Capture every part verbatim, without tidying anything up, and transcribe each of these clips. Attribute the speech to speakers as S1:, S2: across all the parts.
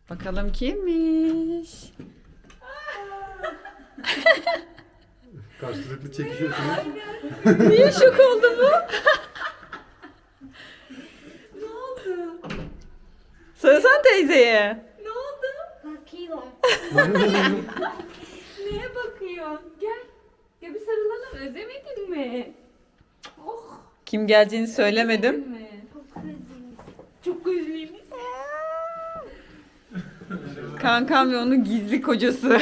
S1: Bakalım kimmiş?
S2: Karşılıklı çekişiyorsunuz.
S1: Niye şok oldu bu?
S3: Ne oldu?
S1: Söylesene teyzeye.
S3: Ne oldu?
S4: Bakıyorum.
S3: Neye bakıyorsun? Gel. Gel bir sarılalım. Özlemedin mi? Oh.
S1: Kim geleceğini söylemedim.
S3: Mi?
S4: Çok üzüldüm.
S3: Çok özlemiş.
S1: Kankam ve onun gizli kocası.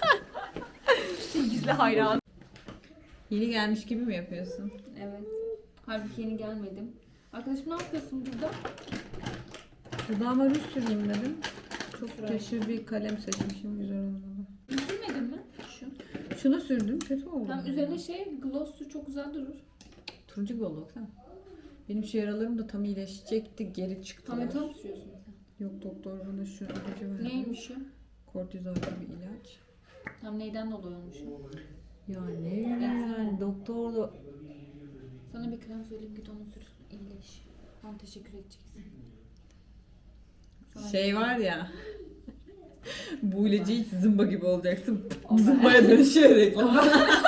S3: Gizli hayran.
S1: Yeni gelmiş gibi mi yapıyorsun?
S3: Evet. Halbuki yeni gelmedim. Arkadaşım ne yapıyorsun burada?
S1: Dudağıma ruj süreyim dedim. Çok
S3: Sürer.
S1: teşhir bir kalem seçmişim, güzel oldu.
S3: Sürmedin mi? Şu.
S1: Şunu sürdüm, kötü oldu.
S3: Tam üzerine şey gloss'u çok güzel durur.
S1: Turuncu gibi oldu baksana. Benim şu yaralarım da tam iyileşecekti, geri çıktı.
S3: Tam yatağı mı sürüyorsun sen?
S1: Yok, doktor bana şu ilacı verdi.
S3: Neymiş o?
S1: Kortizol bir ilaç.
S3: Tam neyden dolayı olmuş o?
S1: Ya ne yani doktor da...
S3: Sana bir krem söyleyeyim git onu sür. İyileş. Tam teşekkür edeceksin. Sana
S1: Şey var ya... Bu ilacı hiç zımba gibi olacaksın. Zımbaya dönüşüyor reklam.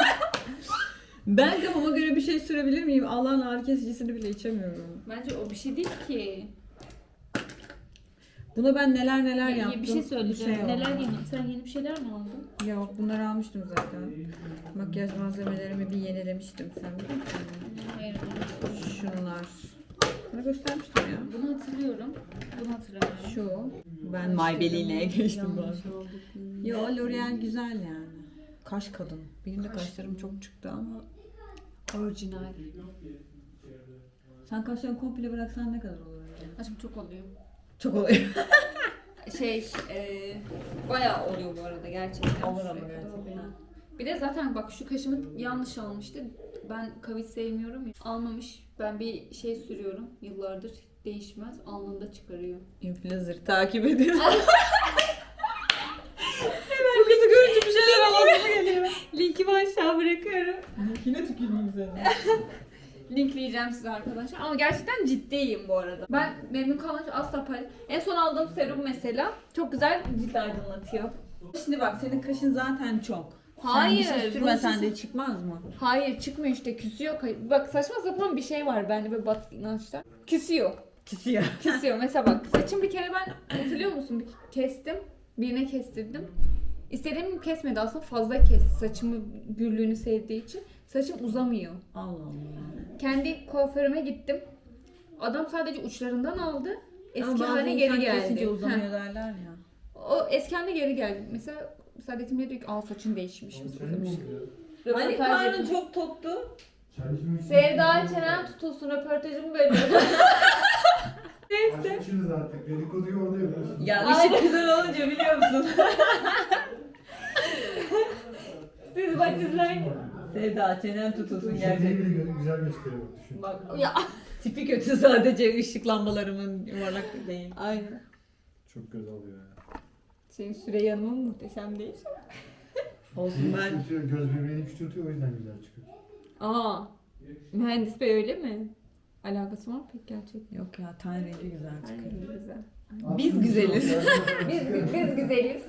S1: Ben kafama göre bir şey sürebilir miyim? Allah'ın ağrı kesicisini bile içemiyorum.
S3: Bence o bir şey değil ki.
S1: Buna ben neler neler
S3: Ya,
S1: yaptım.
S3: bir şey söyleyeceğim.
S1: Şey
S3: Neler
S1: oldu.
S3: yeni? Sen yeni bir şeyler mi aldın?
S1: Yok, bunları almıştım zaten. Makyaj malzemelerimi bir yenilemiştim. Sen biliyor musun?
S3: Hayır.
S1: Şunlar. Bunu göstermiştim ya.
S3: Bunu hatırlıyorum. Bunu hatırlamıyorum.
S1: Şu. Ben Maybelline'e geçtim bu
S3: Yanlış
S1: arada.
S3: oldu.
S1: Yo, L'Oreal güzel yani. Kaş kadın. Benim de
S3: Kaş
S1: kaşlarım çok çıktı ama
S3: Orijinal.
S1: sen kaşlarını komple bıraksan ne kadar olur acaba?
S3: Aşkım çok oluyor.
S1: Çok oluyor.
S3: Şey, e, bayağı oluyor bu arada gerçekten.
S1: Olur ama
S3: Şuraya kadar
S1: gerçekten.
S3: oluyor. Bir de zaten bak şu kaşımı yanlış almıştı. Ben kavis sevmiyorum ya. Almamış. Ben bir şey sürüyorum. Yıllardır değişmez. Alnında çıkarıyor.
S1: Influencer takip edin. Bu kızı görünce bir şeyler alasım geliyor.
S3: Linkimi aşağı bırakıyorum.
S1: Yine tüküreyim seni.
S3: Linkleyeceğim size arkadaşlar. Ama gerçekten ciddiyim bu arada. Ben memnun kalmış asla paylaş. En son aldığım serum mesela çok güzel cilt aydınlatıyor.
S1: Şimdi bak, senin kaşın zaten çok.
S3: Hayır,
S1: Sen bir şey
S3: bu
S1: sürmesen
S3: şey-
S1: de çıkmaz mı?
S3: Hayır çıkmıyor işte küsüyor. Bak saçma sapan bir şey var bende böyle batı inançta. Küsüyor.
S1: Kisiyor.
S3: Küsüyor. Mesela bak saçım bir kere ben hatırlıyor musun? Bir kestim. Birine kestirdim. İstediğim kesmedi aslında fazla kesti. Saçımı gürlüğünü sevdiği için. Saçım uzamıyor.
S1: Allah Allah.
S3: Kendi kuaförüme gittim. Adam sadece uçlarından aldı. Eski
S1: Ama bazı
S3: haline
S1: insan
S3: geri
S1: kesince
S3: geldi.
S1: uzamıyor
S3: Heh.
S1: derler ya.
S3: O eski haline geri geldi. Mesela Saadet'im diyor ki aa saçın değişmiş. uzamış.
S1: Hani
S3: Röportaj
S1: karnın
S3: yapayım.
S1: çok toktu.
S3: Sevda çenen tutulsun röportajımı bölüyorum. Neyse.
S2: Açmışsınız artık. Dedikoduyu orada yapıyorsunuz.
S1: Ya
S3: Aynen.
S1: ışık güzel olunca biliyor musun?
S3: Siz bak izleyin.
S1: Sevda çenen tutulsun
S2: Gerçekten
S1: gerçekten.
S2: bile gö- güzel gösteriyor. Düşün.
S1: Bak
S3: Ya.
S1: tipi kötü, sadece ışık lambalarımın yuvarlak değil.
S3: Aynen.
S2: Çok göz alıyor ya.
S3: Senin Süreyya Hanım'ın muhteşem değil.
S1: Olsun ben.
S2: Küçültüyor, göz birbirini küçültüyor, o yüzden güzel çıkıyor.
S3: Aa. Mühendis bey öyle mi? Alakası var mı pek gerçekten?
S1: Yok ya, ten rengi güzel
S3: Aynen
S1: çıkıyor.
S3: güzel.
S1: Biz güzeliz.
S3: Biz, biz güzeliz.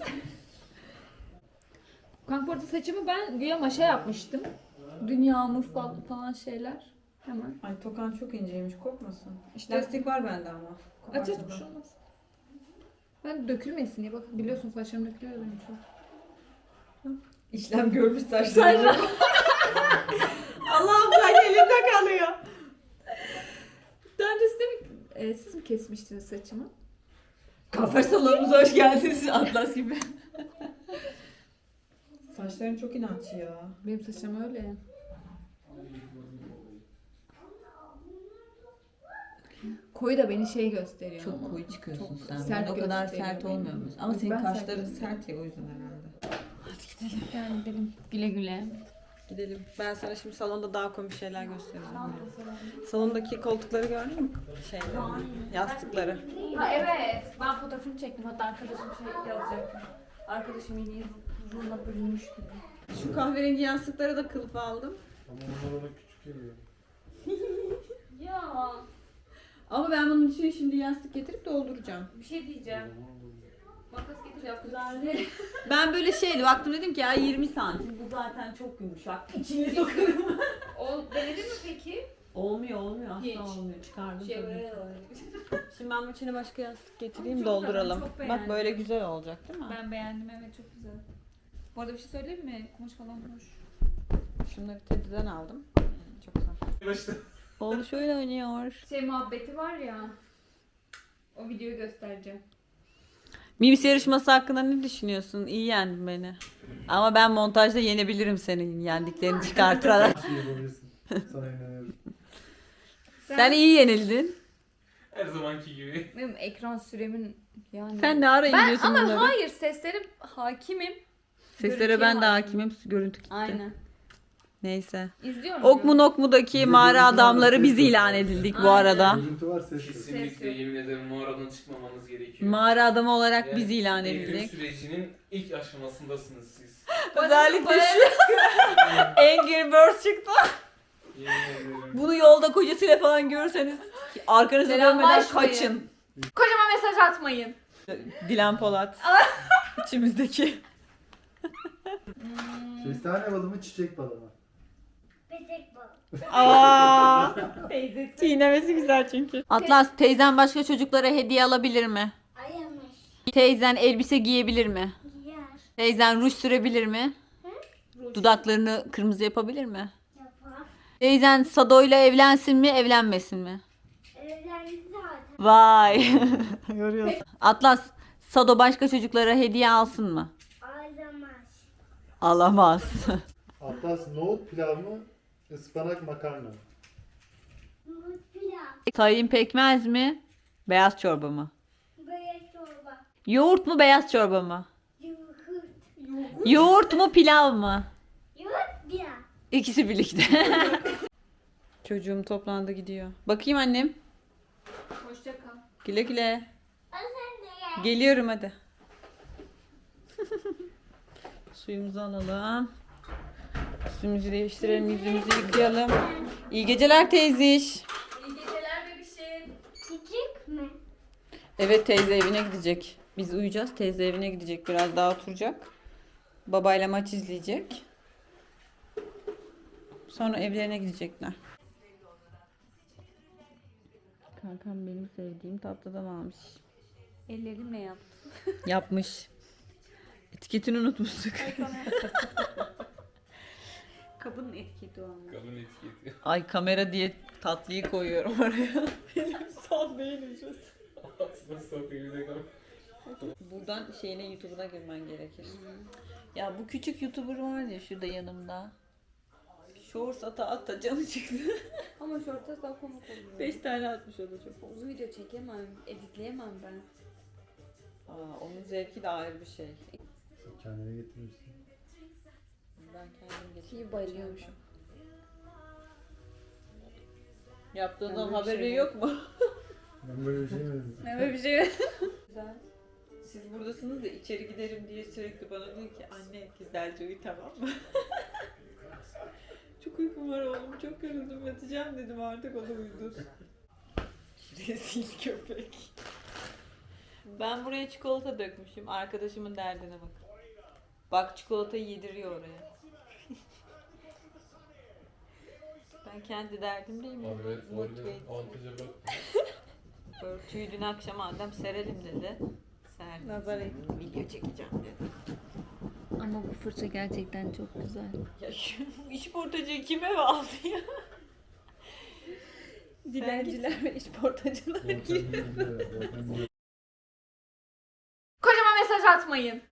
S3: Kanka bu arada saçımı ben güya maşa yapmıştım. Dün yağmur falan, falan şeyler. Hemen.
S1: Ay, tokan çok inceymiş, korkmasın.
S3: İşte
S1: Lastik var bende ama.
S3: aç aç
S1: Koparsa
S3: bir
S1: da.
S3: şey olmaz. Ben dökülmesin diye bak biliyorsun saçlarım dökülüyor benim çok.
S1: İşlem görmüş saçlarım. Allah'ım, saç elimde kalıyor.
S3: Daha önce size mi, e, siz mi kesmiştiniz saçımı?
S1: Kafer salonumuza hoş geldiniz Atlas gibi. Saçların çok inatçı ya.
S3: Benim saçım öyle. Koyu da beni şey gösteriyor
S1: Çok
S3: ama.
S1: koyu çıkıyorsun
S3: Çok
S1: sen.
S3: sert
S1: Ben o kadar
S3: gösteriyor
S1: sert
S3: beni.
S1: olmuyor musun? Ama
S3: Ben
S1: senin
S3: sert
S1: kaşların
S3: gösteriyorum.
S1: sert ya, o yüzden herhalde. Hadi gidelim.
S3: Yani gidelim güle güle.
S1: Gidelim. Ben sana şimdi salonda daha komik şeyler göstereceğim. Salondaki koltukları gördün mü? Şeyleri, yastıkları.
S3: Ha evet. Ben fotoğrafını çektim. Hatta arkadaşım şey yazacaktı. Arkadaşım yeni ruhuna bürünmüş gibi.
S1: Şu kahverengi yastıkları da kılıf aldım.
S2: Ama onlar ona küçük geliyor.
S3: Ya
S1: Ama ben bunun için şimdi yastık getirip dolduracağım.
S3: bir şey diyeceğim. Bana kıyafetleri.
S1: Ben böyle şeydi baktım dedim ki ya yirmi santim bu zaten çok yumuşak. İçine sokarım.
S3: O denedin mi peki?
S1: Olmuyor olmuyor asla
S3: Hiç.
S1: olmuyor. Çıkardım
S3: Şey
S1: tabii
S3: böyle
S1: ki.
S3: oluyor.
S1: Şimdi ben bunun içine başka yastık getireyim
S3: Çok
S1: dolduralım.
S3: güzel, çok
S1: Bak
S3: beğendim.
S1: böyle güzel olacak değil mi?
S3: Ben beğendim, evet, çok güzel. Bu arada bir şey söyleyeyim mi? Kumaş falan hoş.
S1: Şunları Teddy'den aldım. Çok güzel.
S2: Başta.
S1: Oğlu şöyle oynuyor.
S3: Şey muhabbeti var ya. O videoyu göstereceğim.
S1: Mims yarışması hakkında ne düşünüyorsun? İyi yendin beni. Ama ben montajda yenebilirim senin yendiklerini çıkartarak.
S2: Her şeyi yapabilirsin. Sana inanıyorum.
S1: Sen iyi yenildin.
S5: Her zamanki gibi.
S3: Benim ekran süremin yani.
S1: Sen ne ara
S3: Ben
S1: indiriyorsun
S3: ama
S1: bunları?
S3: hayır, seslere hakimim.
S1: Seslere
S3: görüntüye
S1: ben de
S3: hakim.
S1: hakimim. Görüntü gitti.
S3: Aynen.
S1: Neyse.
S3: İzliyorum.
S1: Ok mu
S3: ya.
S1: nok mu'daki
S2: Bize
S1: mağara
S2: görüntü var,
S1: adamları
S2: ses
S1: biz
S2: yok.
S1: ilan edildik bu
S3: Aynen.
S1: arada.
S2: Görüntü var, ses yok.
S5: Kesinlikle yemin ederim mağaradan çıkmamanız gerekiyor.
S1: Mağara adamı olarak
S5: Yani
S1: biz ilan
S5: eğitim
S1: edildik.
S5: sürecinin ilk aşamasındasınız siz.
S1: Özellikle şu Angry Birds çıktı.
S5: Yemin ederim.
S1: Bunu yolda kocasıyla falan görürseniz arkanıza dönmeden
S3: Selamlaşmayın.
S1: kaçın.
S3: Kocaman mesaj atmayın.
S1: Dilan Polat. İçimizdeki.
S3: Hmm.
S2: Kestane balı mı, çiçek balı mı?
S4: Petek balık.
S1: Aa,
S3: Teyzesi.
S1: çiğnemesi güzel çünkü. Atlas teyzen başka çocuklara hediye alabilir mi?
S4: Ayamış.
S1: Teyzen elbise giyebilir mi?
S4: Giyer.
S1: Teyzen ruj sürebilir mi? Dudaklarını kırmızı yapabilir mi?
S4: Yapar.
S1: Teyzen Sado'yla evlensin mi, evlenmesin mi?
S4: Evlendi zaten.
S1: Vay. Görüyorsun. Atlas, Sado başka çocuklara hediye alsın mı?
S4: Ağlamaz.
S1: Alamaz.
S2: Atlas nohut pilav mı, ıspanak makarna mı?
S4: Nohut pilav.
S1: Tayin pekmez mi? Beyaz çorba mı?
S4: Böyle çorba.
S1: Yoğurt mu, beyaz çorba mı?
S4: Yoğurt.
S1: Yoğurt mu, pilav mı?
S4: Yoğurt pilav.
S1: İkisi birlikte. Çocuğum toplandı gidiyor. Bakayım annem.
S3: Hoşça kal.
S1: Güle güle.
S4: O sen de gel.
S1: Geliyorum hadi. Suyumuzu alalım. Üstümüzü değiştirelim, yüzümüzü yıkayalım. İyi geceler teyziş.
S3: İyi geceler bebişim.
S4: Küçük mü?
S1: Evet teyze evine gidecek. Biz uyuyacağız. Teyze evine gidecek. Biraz daha oturacak. Babayla maç izleyecek. Sonra evlerine gidecekler. Kankam benim sevdiğim tatlıdan almış.
S3: Ellerimle yaptım.
S1: Yapmış. Etiketini unutmuştuk.
S3: Kabının etiketi o ama.
S5: Kadın etiketi.
S1: Ay kamera diye tatlıyı koyuyorum oraya. Benim son değilim şu.
S5: Aslında sokuyor bir de kadın.
S1: Buradan şeyine YouTube'una girmen gerekir. Ya bu küçük YouTuber var ya şurada yanımda. Shorts ata ata canı çıktı.
S3: Ama şorta daha komik oluyor.
S1: Beş tane atmış o da çok.
S3: Uzun video çekemem, editleyemem ben.
S1: Aa, onun zevki de ayrı bir şey.
S2: Kendine getirmişsin.
S1: Ben kendim getirdim.
S3: İyi bayılıyormuşum.
S1: Yaptığından
S3: Ben böyle bir
S1: haberi
S3: şey
S1: yok mu?
S2: Ben böyle bir şey mi dedim?
S3: Ne böyle bir şey?
S1: Güzel. Siz buradasınız da içeri giderim diye sürekli bana diyor ki anne güzelce uyu tamam mı? Çok uykum var oğlum çok yoruldum yatacağım dedim artık o da uyudu. Rezil köpek. Ben buraya çikolata dökmüşüm. Arkadaşımın derdine bak. Bak çikolatayı yediriyor oraya. Ben kendi derdimdeyim.
S5: Abi evet,
S1: Motive
S5: orada
S1: etsin.
S5: avantaja bak.
S1: Örtüyü dün akşam Adem serelim dedi. Serdim.
S3: Nazar ettim.
S1: Video çekeceğim dedi.
S3: Ama bu fırça gerçekten çok güzel.
S1: Ya şu işportacıyı kime eve aldı ya?
S3: Dilenciler ve işportacılar.
S2: Volkan bilmiyor, Volkan bilmiyor.
S3: Kocaman mesaj atmayın.